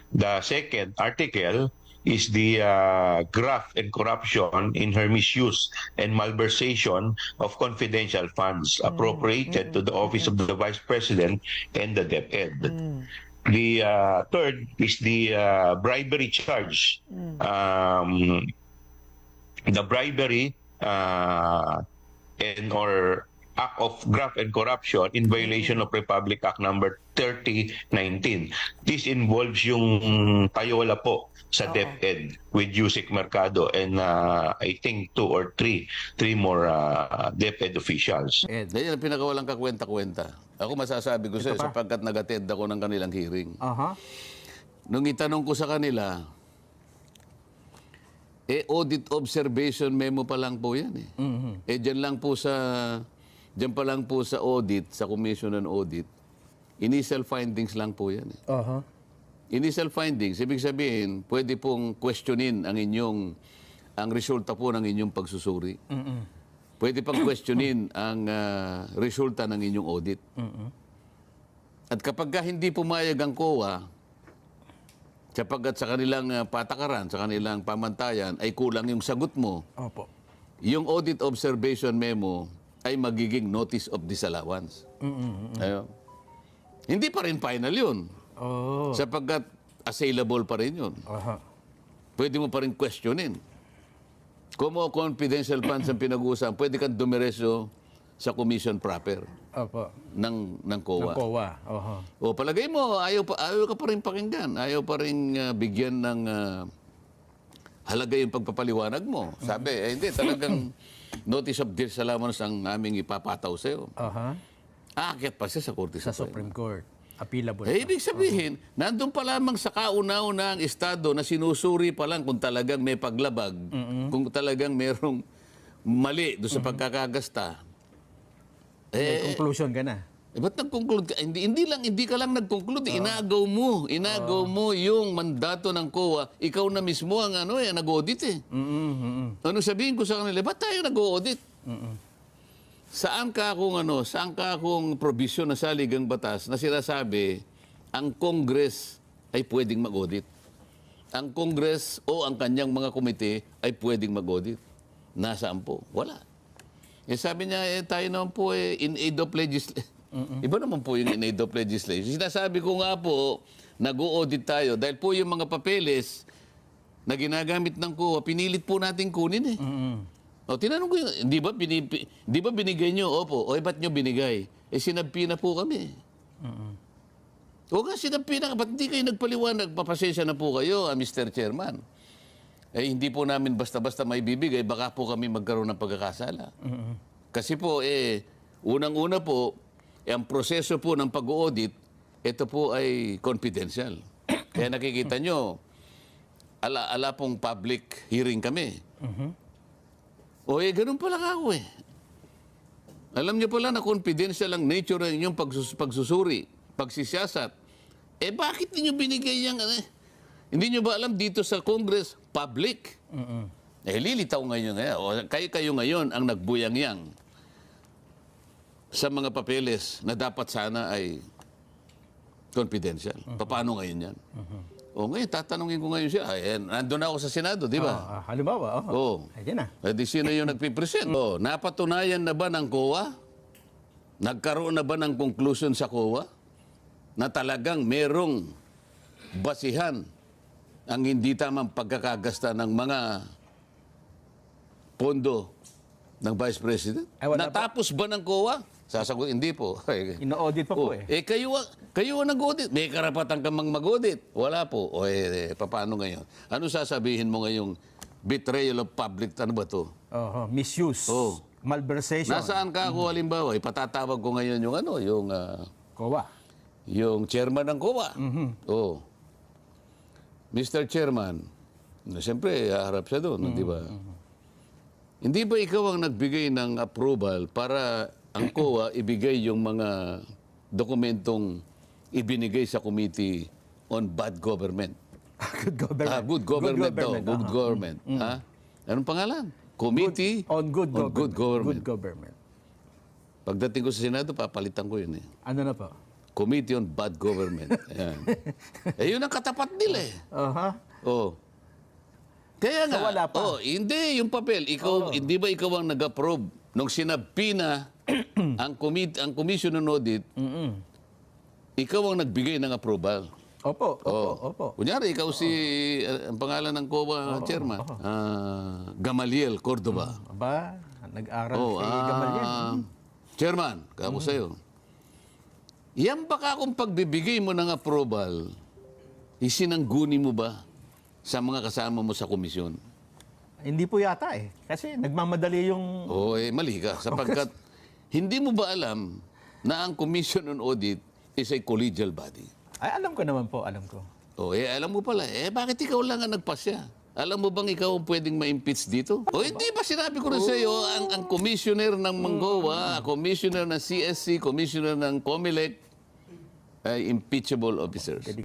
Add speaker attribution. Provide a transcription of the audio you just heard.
Speaker 1: The second article is the graft and corruption in her misuse and malversation of confidential funds appropriated to the office of the Vice President and the DepEd. The third is the bribery charge. The bribery and or act of graft and corruption in violation of Republic Act number 3019. This involves yung payola po sa DepEd with Yusek Mercado and I think three more DepEd officials.
Speaker 2: Yan ang pinakawalang kakwenta-kwenta. Ako masasabi ko sa'yo sapagkat nag-attend ako ng kanilang hearing. Nung itanong ko sa kanila, audit observation memo pa lang po yan eh. Diyan pa lang po sa audit, sa Commission on Audit, initial findings lang po yan eh. Initial findings, ibig sabihin, pwede pong questionin ang resulta po ng inyong pagsusuri. Pwede pang questionin ang resulta ng inyong audit. At kapag hindi pumayag ang COA, sapagkat sa kanilang patakaran, sa kanilang pamantayan, ay kulang yung sagot mo, yung audit observation memo ay magiging notice of disallowance. Hindi pa rin final yun. Sapagkat assailable pa rin yun. Pwede mo pa rin questionin. Kung mo confidential funds ang pinag-uusapan, pwede kang dumiretso sa commission proper ng COA. O palagay mo, ayaw ka pa rin pakinggan. Ayaw pa rin bigyan ng halaga yung pagpapaliwanag mo. Sabi, hindi, talagang notice of disallowance ang aming ipapataw sa'yo. Aakyat pa siya sa Korte
Speaker 3: Sa Supreme Court. Appealable.
Speaker 2: Ibig sabihin, nandun pa lamang sa kauna-una ang estado na sinusuri pa lang kung talagang may paglabag, kung talagang merong mali doon sa pagkakagasta.
Speaker 3: May conclusion ka na.
Speaker 2: Ba't nag-conclude ka? Hindi ka lang nag-conclude. Inagaw mo yung mandato ng COA. Ikaw na mismo ang nag-audit eh. Ano sabihin ko sa kanila? Ba't tayo nag-audit? Saan ka akong provision na saligang batas na sinasabi ang Congress ay pwedeng mag-audit? Ang Congress o ang kanyang mga komite ay pwedeng mag-audit. Nasaan po? Wala. Sabi niya, tayo naman po in aid of legislation. Iba naman po yung in aid of legislation. Sinasabi ko nga po, nag-audit tayo dahil po yung mga papeles na ginagamit ng COA, pinilit po natin kunin eh. O, tinanong ko yun, di ba binigay nyo? Opo. O, ba't nyo binigay? Sinabpi na po kami. O nga, sinabpi na. Ba't hindi kayo nagpaliwanag? Papasensya na po kayo, Mr. Chairman. Hindi po namin basta-basta may bibigay, baka po kami magkaroon ng pagkakasala. Kasi po, unang-una po, ang proseso po ng pag-audit, ito po ay confidential. Kaya nakikita nyo, ala pong public hearing kami. Ganun pala ako eh. Alam niyo pala na confidential ang nature ng inyong pagsusuri, pagsisiyasat. Bakit niyo binigay yung Hindi niyo ba alam dito sa Congress, public? Lilitaw ngayon. Kayo ngayon ang nagbuyang-yang sa mga papeles na dapat sana ay confidential. Paano ngayon yan? Ngayon, tatanungin ko ngayon siya. Nandun ako sa Senado, di ba?
Speaker 3: Halimbawa, Ayan na.
Speaker 2: Sino yung nagpipresent? Napatunayan na ba ng COA? Nagkaroon na ba ng conclusion sa COA na talagang merong basihan ang hindi tamang pagkakagasta ng mga pondo ng Vice President? Natapos ba ng COA? Sasagot, hindi po.
Speaker 3: Ino-audit pa po eh.
Speaker 2: Kayo ang nag-audit. May karapatan ka mag-audit. Wala po. Paano ngayon? Ano sasabihin mo ngayong betrayal of public, ano ba to?
Speaker 3: Misuse. Malversation.
Speaker 2: Nasaan ka ako, halimbawa? Ipatatawag ko ngayon yung
Speaker 3: COA.
Speaker 2: Yung chairman ng COA. Mr. Chairman, siyempre, haharap siya doon, di ba? Hindi ba ikaw ang nagbigay ng approval para ang COA ibigay yung mga dokumentong ibinigay sa Committee on Bad Government?
Speaker 3: Good government.
Speaker 2: Good government daw. Good government. Anong pangalan? Committee
Speaker 3: on Good Government.
Speaker 2: Good Government.
Speaker 3: Good Government.
Speaker 2: Pagdating ko sa Senado, papalitan ko yun eh.
Speaker 3: Ano na po?
Speaker 2: Committee on Bad Government. Ayan. Yun ang katapat nila eh.
Speaker 3: Aha.
Speaker 2: Oh. Kaya nga,
Speaker 3: So, wala pa.
Speaker 2: hindi yung papel. Ikaw, hindi ba ikaw ang nag-approve nung sinabi na ang Commission on Audit, ikaw ang nagbigay ng approval.
Speaker 3: Opo, opo.
Speaker 2: Kunyari, ikaw ang pangalan ng COA chairman, Gamaliel Cordoba.
Speaker 3: Aba, nag-aral si Gamaliel.
Speaker 2: Chairman, kako sa'yo. Yan baka kung pagbibigay mo ng approval, isinangguni mo ba sa mga kasama mo sa komisyon?
Speaker 3: Hindi po yata eh. Kasi nagmamadali yung...
Speaker 2: Mali ka. Sapagkat hindi mo ba alam na ang Commission on Audit is a collegial body?
Speaker 3: Ay, alam ko naman po, alam ko.
Speaker 2: Alam mo pala. Bakit ikaw lang ang nagpasya? Alam mo bang ikaw ang pwedeng ma-impeach dito? Hindi ba sinabi ko rin sa iyo, ang commissioner ng Mangoa, commissioner ng CSC, commissioner ng COMELEC, ay impeachable officers.